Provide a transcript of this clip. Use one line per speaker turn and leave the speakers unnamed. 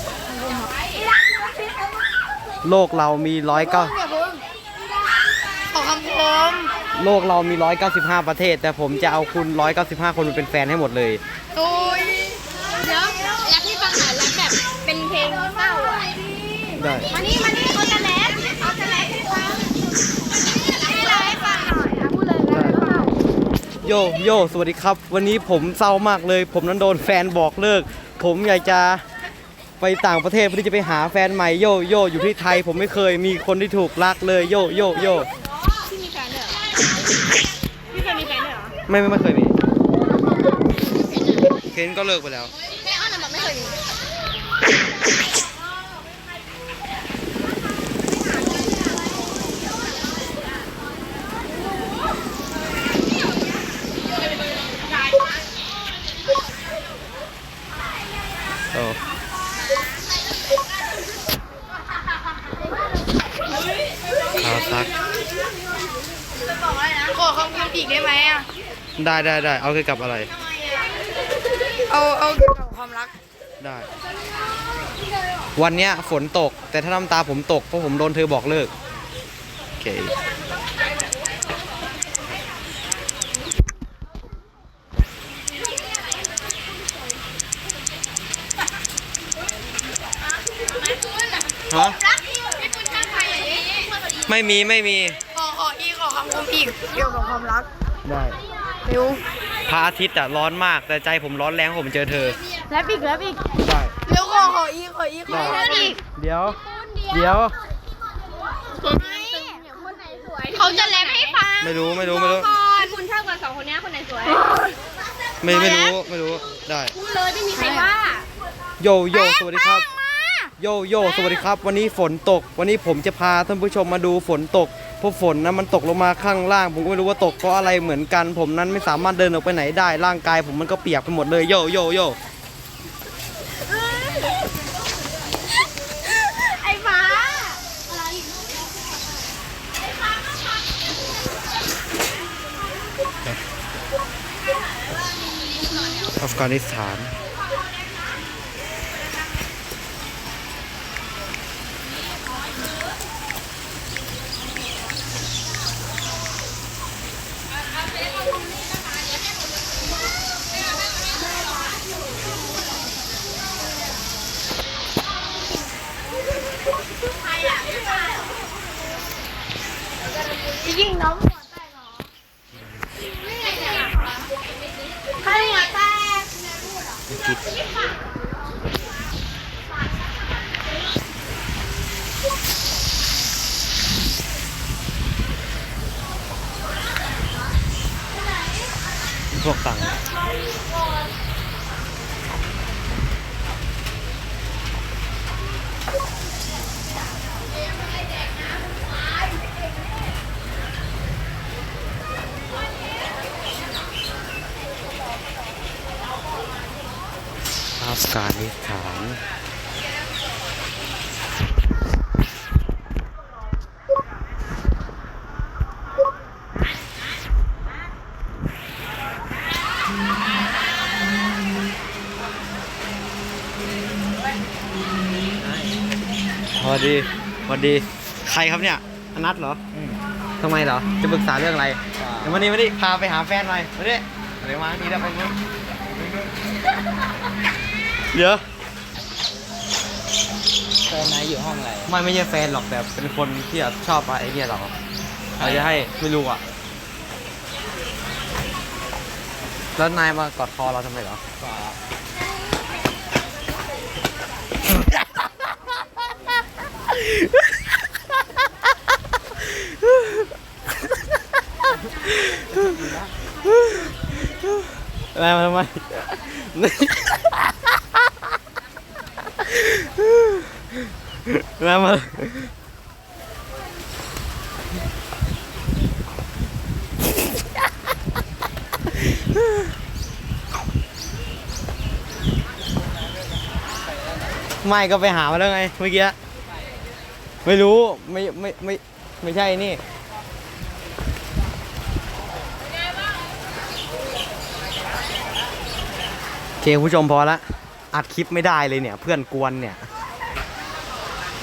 โลกเรามี
ขอคำคม
โลกเรามี195ประเทศแต่ผมจะเอาคุณ195คนมาเป็นแฟนให้หมดเลย
โอ้ยเดี๋ยวแรปให้ฟังหน่อยแรปแบบเป็นเพลงเศร้าอ่ะ
ได้
มานี่เขาจะแรปให้ฟังให้ฟังหน่อยพูดเลยแรปเศร้า
โยสวัสดีครับวันนี้ผมเศร้ามากเลยผมนั้นโดนแฟนบอกเลิกผมอยากจะไปต่างประเทศเพื่อที่จะไปหาแฟนใหม่โยอยู่ที่ไทยผมไม่เคยมีคนที่ถูกรักเลยโย
พี่มีแฟนด้วยเหรอพี่เคยมีแฟนด้วยเหรอ
ไม่เคยมีเคนก็เลิกไปแล้ว
แม่อ้อนบอกไม่เคยมี
ข่าวซัก
ขอคำคมอีกได้ไหมอ่ะ
ได้เอาเกี่ยวกับอะไร
เอาเกี่ยวกับความรัก
ได้วันเนี้ยฝนตกแต่ถ้าน้ำตาผมตกเพราะผมโดนเธอบอกเลิกโอเคฮะไม่มี
ขอคำคมอีกเกี่ยวกับความรัก
ได้
เร็ว
พระอาทิตย์ร้อนมากแต่ใจผมร้อนแรงผมเจอเธอ
แล้วอีกได้เร็วขออีก
เดี๋ยว
เขาจะแรปให้ฟัง
ไม่รู้
คุณชอบกับ2คนนี้คนไหนสวย
ไม่รู้ได้
พูดเลยไม่มีใครว่า
โยสวัสดีครับโยสวัสดีครับวันนี้ฝนตกวันนี้ผมจะพาท่านผู้ชมมาดูฝนตกเพราะฝนนะมันตกลงมาข้างล่างผมก็ไม่รู้ว่าตกเพราะอะไรเหมือนกันผมนั้นไม่สามารถเดินออกไปไหนได้ร่างกายผมมันก็เปียกไปหมดเลยโย
ไอ้ฟ้า
อัฟกานิสถาน
ยิงน้องหัวแตกเหรอใครหัวแตก
พวกตังอัฟกานิสถานพอดีใครครับเนี่ยอนัทเหรอทำไมเหรอจะปรึกษาเรื่องอะไรเดี๋ยววันนี้พาไปหาแฟนหน่อยมาดิเดี๋ยวมาทีแล้วไปนู้นเดี๋ยว
แฟนนายอยู่ห้องอะไร
ไม่ใช่แฟนหรอกแต่เป็นคนที่ชอบไอ้เนี่ยเราจะให้ไม่รู้อ่ะแล้วนายมากอดคอเราทำไมเหรออะไรมาทำไมมาไม่ก็ไปหามาแล้วไงเมื่อกี้ไม่รู้ไม่ใช่นี่โอเคผู้ชมพอละอัดคลิปไม่ได้เลยเนี่ยเพื่อนกวนเนี่ย